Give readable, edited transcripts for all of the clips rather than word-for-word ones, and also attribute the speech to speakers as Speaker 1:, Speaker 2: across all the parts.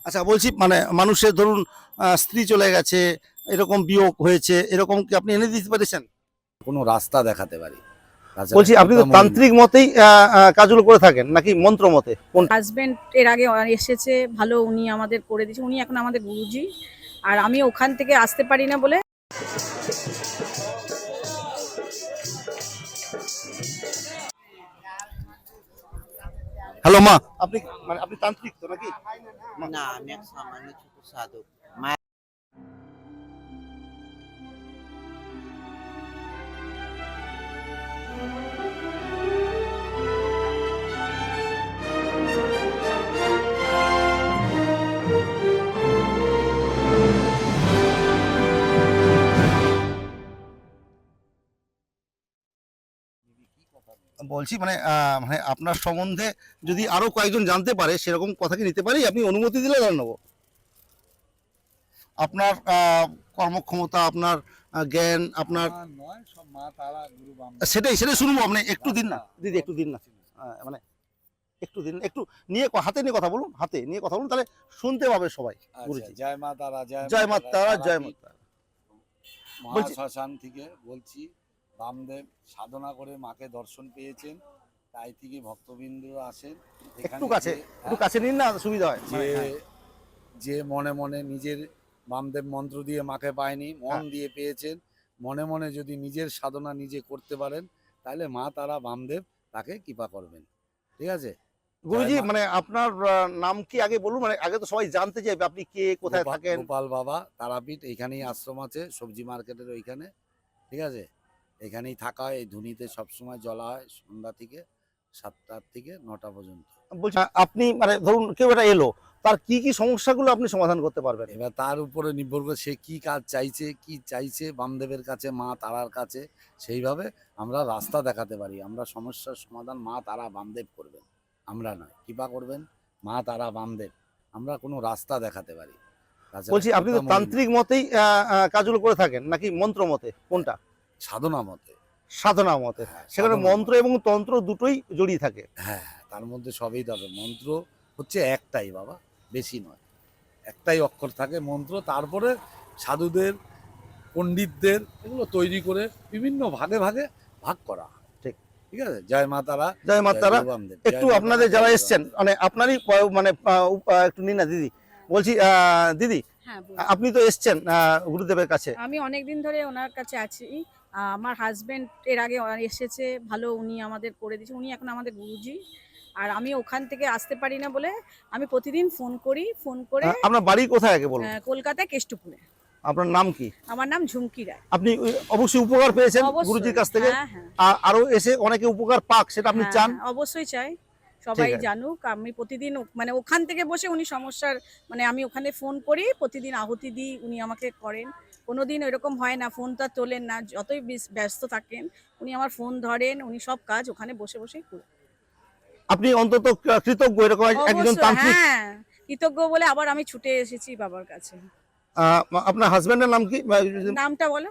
Speaker 1: আচ্ছা বলছি মানে মানুষের ধরুন স্ত্রী চলে গেছে, এরকম বিয়োগ হয়েছে, এরকম কি আপনি এনে দিতে পেরেছেন?
Speaker 2: কোনো রাস্তা দেখাতে পারি। তাছাড়া
Speaker 1: বলছি আপনি তো
Speaker 2: কৃপাময়ী
Speaker 1: তান্ত্রিক মতেই কাজগুলো করে থাকেন নাকি মন্ত্র মতে কোন?
Speaker 3: হাজবেন্ড এর আগে এসেছে ভালো, উনি আমাদের করে দিয়েছে, উনি এখন আমাদের গুরুজি। আর আমি ওখান থেকে আসতে পারি না বলে
Speaker 1: হ্যালো মা, আপনি মানে আপনি তান্ত্রিক তো নাকি?
Speaker 4: না, আমি এক সামান্য ছোট সাধক।
Speaker 1: বলছি মানে মানে আপনার সম্বন্ধে যদি আরো কয়েকজন জানতে পারে সেরকম কথা কি নিতে পারি? আপনি অনুমতি দিলে জান নেবো। আপনার কর্মক্ষমতা, আপনার জ্ঞান, আপনার
Speaker 2: নয়, সব মা তারা গুরু
Speaker 1: সেটাই সেটাই শুনবো। আপনি একটু দিন না দিদি, একটু দিন না, মানে একটু দিন, একটু নিয়ে হাতে নিয়ে কথা বলুন, হাতে নিয়ে কথা বলুন, তাহলে শুনতে পাবে সবাই। গুরুজি
Speaker 2: জয় মা তারা,
Speaker 1: জয় মা তারা, জয় মা তারা। বলছি-
Speaker 2: মহাশ্মশান থেকে বলছি। বামদেব সাধনা করে মাকে দর্শন পেয়েছেন, তাই থেকে ভক্তবৃন্দরা আসেন
Speaker 1: একটু কাছে, একটু কাছে নিন না, সুবিধা হয়।
Speaker 2: যে যে মনে মনে নিজের বামদেব মন্ত্র দিয়ে মাকে পায়নি, মন দিয়ে পেয়েছেন, মনে মনে যদি নিজের সাধনা নিজে করতে পারেন, তাহলে মা তারা বামদেব তাকে কৃপা করবেন। ঠিক আছে
Speaker 1: গুরুজি
Speaker 2: জয় মা।
Speaker 1: মানে আপনার নাম কি আগে বলুন, মানে আগে তো সবাই জানতে চাইবে আপনি কে, কোথায় থাকেন।
Speaker 2: গোপাল বাবা তারাপীঠ, এইখানেই আশ্রম আছে সবজি মার্কেটের ওইখানে। ঠিক আছে, এখানেই থাকা হয়। এই ধুনিতে সবসময় জ্বলা হয় সন্ধ্যা থেকে 7টা থেকে 9টা পর্যন্ত।
Speaker 1: বলছি আপনি মানে ধরুন কেউ এটা এলো, তার কি কি সমস্যাগুলো আপনি সমাধান করতে পারবেন?
Speaker 2: এবার তার উপরে নির্ভর করে সে কি কাজ চাইছে, কি চাইছে বামদেবের কাছে, মা তারার কাছে, সেইভাবে আমরা রাস্তা দেখাতে পারি। আমরা সমস্যার সমাধান মা তারা বামদেব করবেন, আমরা নয়। কৃপা করবেন মা তারা বামদেব, আমরা কোনো রাস্তা দেখাতে পারি। তাছাড়া
Speaker 1: বলছি আপনি তো
Speaker 2: কৃপাময়ী
Speaker 1: তান্ত্রিক মতেই কাজগুলো করে থাকেন নাকি মন্ত্র মতে কোনটা?
Speaker 2: সাধনা মতে।
Speaker 1: সাধনা মতে।
Speaker 2: হ্যাঁ,
Speaker 1: সেখানে
Speaker 2: সাধনা
Speaker 1: মন্ত্র
Speaker 2: মতে।
Speaker 1: এবং তন্ত্র দুটোই জড়িয়ে থাকে।
Speaker 2: হ্যাঁ, তার মধ্যে সবই তবে মন্ত্র হচ্ছে একটাই বাবা, বেশি নয়। একটাই অক্ষর থাকে মন্ত্র, তারপরে সাধুদের, পণ্ডিতদের এগুলো তৈরি করে বিভিন্ন ভাগে ভাগে ভাগ করা হয়।
Speaker 1: ঠিক।
Speaker 2: ঠিক আছে, জয় মা তারা,
Speaker 1: জয় মা তারা।
Speaker 2: গুরু বামদেব।
Speaker 1: একটু আপনাদের যারা এসছেন মানে আপনারই মানে একটু নিন না দিদি। বলছি দিদি
Speaker 3: হ্যাঁ
Speaker 1: আপনি তো এসছেন গুরুদেবের কাছে।
Speaker 3: আমি অনেকদিন ধরে ওনার কাছে আছি। আমার হাজবেন্ড এর আগে এসেছে ভালো, উনি আমাদের করে দিয়েছে, উনি এখন আমাদের গুরুজি। আর আমি ওখান থেকে আসতে পারি না বলে আমি প্রতিদিন ফোন করি, ফোন করে
Speaker 1: আপনার বাড়ি কোথায় আগে বলুন?
Speaker 3: কলকাতায় কেষ্টপুরে।
Speaker 1: আপনার নাম কি?
Speaker 3: আমার নাম ঝুমকি রায়।
Speaker 1: আপনি অবশ্যই উপকার পেয়েছেন
Speaker 3: অবশ্যই।
Speaker 1: গুরুজির কাছ থেকে।
Speaker 3: হ্যাঁ, হ্যাঁ।
Speaker 1: আরো এসে অনেকে উপকার পাক, সেটা আপনি
Speaker 3: হ্যাঁ,
Speaker 1: চান?
Speaker 3: হ্যাঁ, অবশ্যই চাই সবাই
Speaker 1: ঠিক আছে।
Speaker 3: জানুক। আমি প্রতিদিন মানে ওখান থেকে বসে উনি সমস্যার মানে আমি ওখানে ফোন করি, প্রতিদিন আহুতি দিই, উনি আমাকে করেন। কোনোদিন এরকম হয় না ফোনটা তোলেন না, যতই ব্যস্ত থাকেন উনি আমার ফোন ধরেন, উনি সব কাজ ওখানে বসে বসেই করেন।
Speaker 1: আপনি অন্তত কৃতজ্ঞ এরকম একজন
Speaker 3: অবশ্যই,
Speaker 1: তান্ত্রিক।
Speaker 3: হ্যাঁ, কৃতজ্ঞ বলে আবার আমি ছুটে এসেছি বাবার কাছে।
Speaker 1: আপনার হাজবেন্ডের নাম কি?
Speaker 3: নামটা বলো।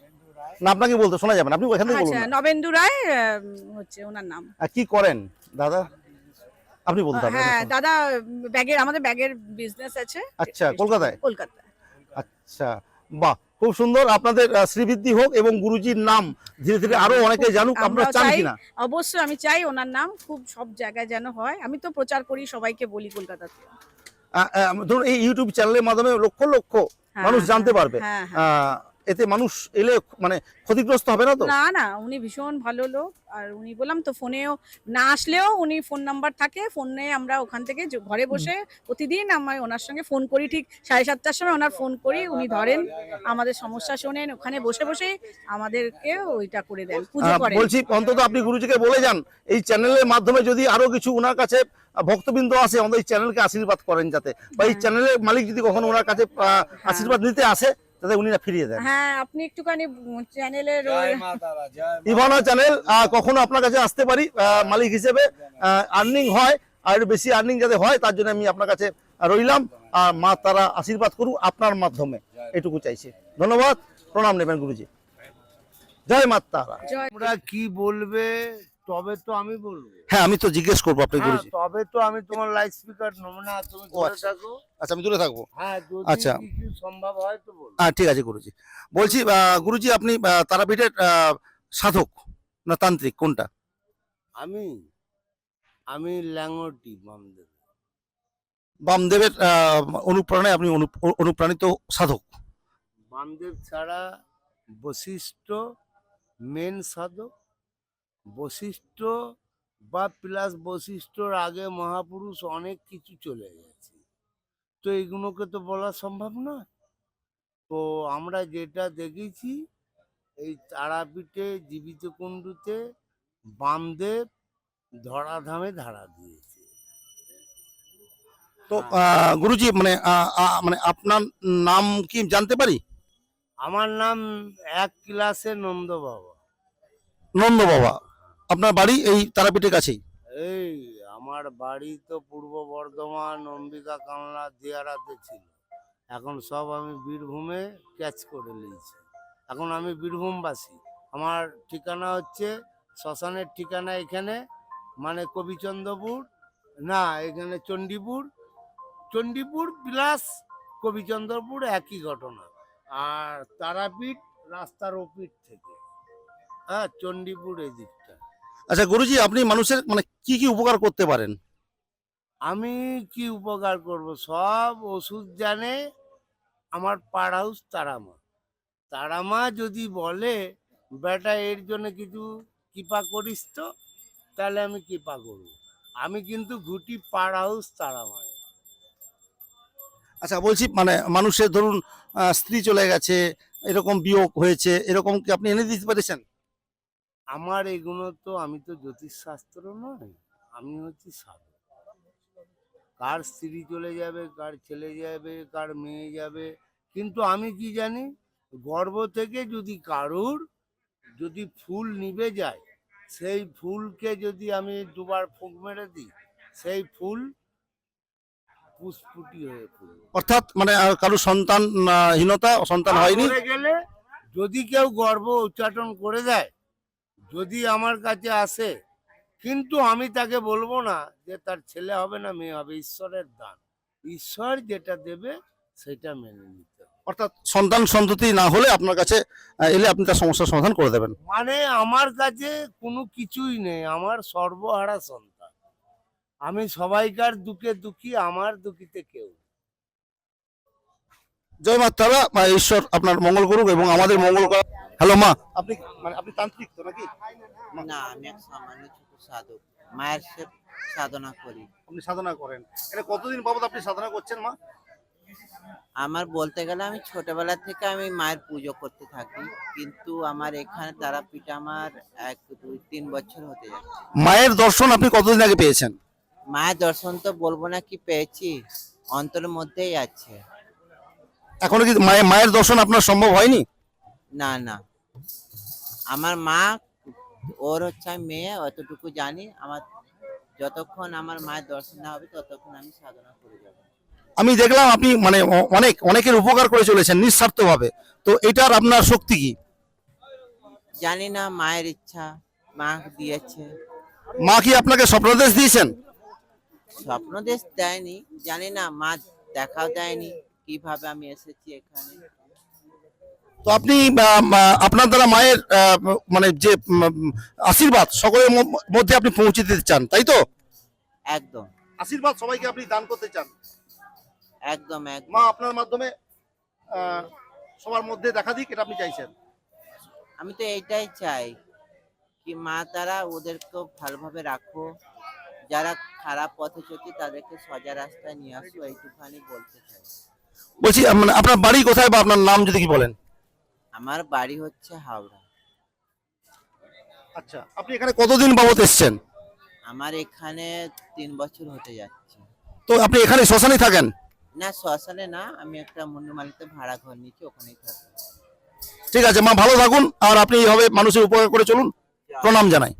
Speaker 1: না আপনাকে বলতে শোনা যাবে না, আপনি ওখান থেকে বলুন
Speaker 3: আচ্ছা,
Speaker 1: না।
Speaker 3: নবেন্দু রায় হচ্ছে ওনার নাম।
Speaker 1: কি করেন দাদা? আপনি বলতে হবে।
Speaker 3: হ্যাঁ দাদা, আমাদের ব্যাগের বিজনেস আছে।
Speaker 1: আচ্ছা, কলকাতায়?
Speaker 3: কলকাতায়।
Speaker 1: আচ্ছা, বাহ, খুব সুন্দর। আপনাদের শ্রীবৃদ্ধি হোক এবং গুরুজির নাম ধীরে ধীরে আরো অনেকে জানুক, আপনারা
Speaker 3: আমরাও
Speaker 1: চান
Speaker 3: চাই,
Speaker 1: কিনা?
Speaker 3: অবশ্যই আমি চাই ওনার নাম খুব সব জায়গায় যেন হয়। আমি তো প্রচার করি, সবাইকে বলি কলকাতাতে।
Speaker 1: ধরুন এই ইউটিউব চ্যানেলের মাধ্যমে লক্ষ লক্ষ
Speaker 3: হ্যাঁ,
Speaker 1: মানুষ জানতে পারবে।
Speaker 3: হ্যাঁ, হ্যাঁ।
Speaker 1: এতে মানুষ এলে মানে ক্ষতিগ্রস্ত হবে না তো?
Speaker 3: না না, উনি ভীষণ ভালো লোক। আর উনি বললাম তো ফোনেও না আসলেও উনি ফোন নাম্বার থাকে, ফোনে আমরা ওখান থেকে ঘরে বসে প্রতিদিন আমি ওনার সঙ্গে ফোন করি, ঠিক 7:30টার সময় ওনার ফোন করি, উনি ধরেন, আমাদের সমস্যা শোনেন, ওখানে বসে বসে আমাদেরকে ওইটা করে দেন, পুজো করেন।
Speaker 1: বলছি অন্তত আপনি গুরুজিকে বলে যান এই চ্যানেলের মাধ্যমে যদি আরো কিছু ওনার কাছে ভক্তবৃন্দ আসে, অন্তত এই চ্যানেলকে আশীর্বাদ করেন যাতে, বা এই চ্যানেলের মালিক যদি কখনো ওনার কাছে আশীর্বাদ নিতে আসে যাতে উনি না ফিরিয়ে দেন।
Speaker 3: হ্যাঁ, আপনি একটুখানি চ্যানেলের
Speaker 2: জয় মা তারা, জয় মা
Speaker 1: ইভানা চ্যানেল কখনো আপনার কাছে আসতে পারি মালিক হিসেবে, আর্নিং হয় আর একটু বেশি আর্নিং যাতে হয় তার জন্য আমি আপনার কাছে রইলাম। আর মা তারা আশীর্বাদ করুক আপনার মাধ্যমে, এটুকু চাইছি। ধন্যবাদ, প্রণাম নেবেন গুরুজি। জয় মা তারা।
Speaker 3: জয়।
Speaker 5: তোমরা কি বলবে তবে তো আমি বলবো।
Speaker 1: হ্যাঁ আমি তো জিজ্ঞেস করবো আপনি
Speaker 5: হ্যাঁ,
Speaker 1: গুরুজি।
Speaker 5: তবে তো আমি তোমার লাইট স্পিকার নেবো না, তুমি
Speaker 1: ও
Speaker 5: ধরে
Speaker 1: আচ্ছা।
Speaker 5: থাকো।
Speaker 1: আচ্ছা আমি দূরে থাকবো।
Speaker 5: হ্যাঁ, যদি
Speaker 1: আচ্ছা।
Speaker 5: কিছু সম্ভব হয় তো বলবো।
Speaker 1: হ্যাঁ ঠিক আছে গুরুজি। বলছি গুরুজি আপনি তারাপীঠের সাধক না তান্ত্রিক কোনটা?
Speaker 5: আমি আমি ল্যাঙ্গটি বামদেব।
Speaker 1: বামদেবের অনুপ্রেরণায় আপনি অনুপ্রাণিত সাধক।
Speaker 5: বামদেব ছাড়া বশিষ্ঠ মেন সাধক, বশিষ্ঠ বা প্লাস বশিষ্ঠর আগে মহাপুরুষ অনেক কিছু চলে গেছে, তো এগুলোকে তো বলা সম্ভব নয়। তো আমরা যেটা দেখেছি এই তারাপীঠে জীবিত কুণ্ডুতে বামদেব ধরাধামে ধারা দিয়েছে।
Speaker 1: তো গুরুজি মানে মানে আপনার নাম কি জানতে পারি?
Speaker 5: আমার নাম এক ক্লাসে নন্দ বাবা।
Speaker 1: নন্দ বাবা। আপনার বাড়ি এই তারাপীঠের কাছেই?
Speaker 5: এই আমার বাড়ি তো পূর্ব বর্ধমান অম্বিকা কামলা দিয়ারাতে ছিল, এখন সব আমি বীরভূমে ক্যাচ করে নিয়েছি। এখন আমি বীরভূমবাসী। আমার ঠিকানা হচ্ছে শ্মশানের ঠিকানা এখানে, মানে কবিচন্দ্রপুর না, এখানে চণ্ডীপুর, চণ্ডীপুর প্লাস কবিচন্দ্রপুর একই ঘটনা। আর তারাপীঠ রাস্তার ওপিঠ থেকে, হ্যাঁ, চণ্ডীপুর এই দিকটা।
Speaker 1: আচ্ছা গুরুজি আপনি মানুষের মানে কি কি উপকার করতে পারেন?
Speaker 5: আমি কি উপকার করব? সব ওষুধ জানে আমার পাড় হাউস তারামা। তারামা যদি বলে বেটা এর জন্য কিছু কৃপা করিস তো, তাহলে আমি কৃপা করব। আমি কিন্তু ঘুটি পাড় হাউস তারামায়।
Speaker 1: আচ্ছা বলছি মানে মানুষের ধরুন স্ত্রী চলে গেছে, এরকম বিয়োগ হয়েছে, এরকম কি আপনি এনে দিতে পেরেছেন?
Speaker 5: আমার এগুলো তো, আমি তো জ্যোতিষশাস্ত্র নয়, আমি হচ্ছি সাধক। কার স্ত্রী চলে যাবে, কার ছেলে যাবে, কার মেয়ে যাবে, কিন্তু আমি কি জানি, গর্ভ থেকে যদি কারুর যদি ফুল নিভে যায়, সেই ফুলকে যদি আমি দুবার ফুঁক মেরে দিই, সেই ফুল পুষ্পুটি হয়ে ফুল
Speaker 1: অর্থাৎ মানে কারো সন্তান হীনতা, সন্তান হয়নি?
Speaker 5: মরে গেলে যদি কেউ গর্ভ উচ্চাটন করে দেয়, যদি আমার কাছে আসে, কিন্তু আমি তাকে বলবো না যে তার ছেলে হবে না মেয়ে হবে, ঈশ্বরের দান, ঈশ্বর যেটা দেবে সেটা মেনে নিতে হবে।
Speaker 1: অর্থাৎ সন্তান সন্ততি না হলে আপনার কাছে এলে আপনি তার সমস্যার সমাধান করে দেবেন?
Speaker 5: মানে আমার কাছে কোনো কিছুই নেই, আমার সর্বহারা সন্তান। আমি সবাইকার দুঃখে দুঃখী, আমার দুঃখীতে কেউ নেই।
Speaker 1: জয় মা তারা, ঈশ্বর আপনার মঙ্গল করুক এবং আমাদের মঙ্গল করা। হ্যালো মা, আপনি মানে আপনি তান্ত্রিক তো নাকি?
Speaker 4: না, আমি এক সামান্য ছোট সাধক, মায়ের সাধনা করি।
Speaker 1: আপনি সাধনা করেন, এটা কতদিন বাবদ আপনি সাধনা করছেন মা?
Speaker 4: আমার বলতে গেলে আমি ছোটবেলা থেকে আমি মায়ের পুজো করতে থাকি, কিন্তু আমার এখানে তারাপীঠ আমার 1, 2, 3 বছর হতে যাচ্ছে।
Speaker 1: মায়ের দর্শন আপনি কতদিন আগে পেয়েছেন?
Speaker 4: মায়ের দর্শন তো বলবো না কি পেয়েছি, অন্তরের মধ্যেই আছে।
Speaker 1: এখনো কি মায়ের দর্শন আপনার সম্ভব হয়নি?
Speaker 4: না না, আমার মা, ওর হচ্ছে আমি মেয়ে, অতটুকু জানি। আমার যতক্ষণ আমার মায়ের দর্শন না হবে ততক্ষণ আমি সাধনা করে যাবো।
Speaker 1: আমি দেখলাম আপনি মানে অনেকের উপকার করে চলেছেন নিঃস্বার্থভাবে, তো এটার আপনার শক্তি কি?
Speaker 4: জানি না, মায়ের ইচ্ছা, মা দিয়েছে।
Speaker 1: মা কি আপনাকে স্বপ্নদেশ দিয়েছেন?
Speaker 4: স্বপ্ন দেশ দেয়নি, জানি না, মা দেখাও দেয়নি কিভাবে আমি এসেছি এখানে।
Speaker 1: তো আপনি আপনার দ্বারা মায়ের মানে যে আশীর্বাদ সকলের মধ্যে আপনি পৌঁছে দিতে চান, তাই তো?
Speaker 4: একদম
Speaker 1: আশীর্বাদ সবাইকে আপনি দান করতে চান।
Speaker 4: একদম একদম।
Speaker 1: মা আপনার মাধ্যমে সবার মধ্যে দেখা দিক, এটা আপনি চাইছেন?
Speaker 4: আমি তো এইটাই চাই কি মা তারা ওদেরকে ভালোভাবে রাখো, যারা খারাপ পথে চলছে তাদেরকে সোজা রাস্তায় নিয়ে আসো, এইটুখানি বলতে চাই।
Speaker 1: বলছি মানে আপনার বাড়ি কোথায় বা আপনার নাম যদি কি বলেন?
Speaker 4: আমার বাড়ি হচ্ছে হাওড়া।
Speaker 1: আচ্ছা, আপনি এখানে কতদিন বাবদ এসেছেন?
Speaker 4: আমার এখানে 3 বছর হতে যাচ্ছে।
Speaker 1: তো আপনি এখানে শ্মশানে থাকেন?
Speaker 4: না, শ্মশানে না, আমি একটা মুন্ডুমালিতে ভাড়া ঘর নিয়েছি, ওখানেই থাকি।
Speaker 1: ঠিক আছে মা, ভালো থাকুন, আর আপনি এইভাবে মানুষের উপকার করে চলুন। প্রণাম জানাই।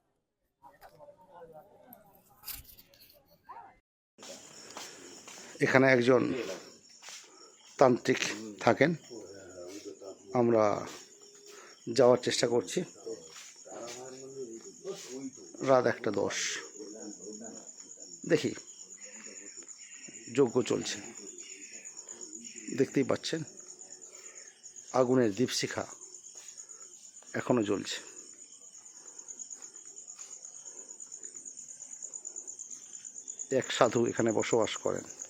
Speaker 1: এখানে একজন তান্ত্রিক থাকেন, আমরা যাওয়ার চেষ্টা করছি। রাত 1:10 দেখি যজ্ঞ চলছে, দেখতেই পাচ্ছেন আগুনের দীপশিখা এখনো জ্বলছে। এক সাধু এখানে বসবাস করেন।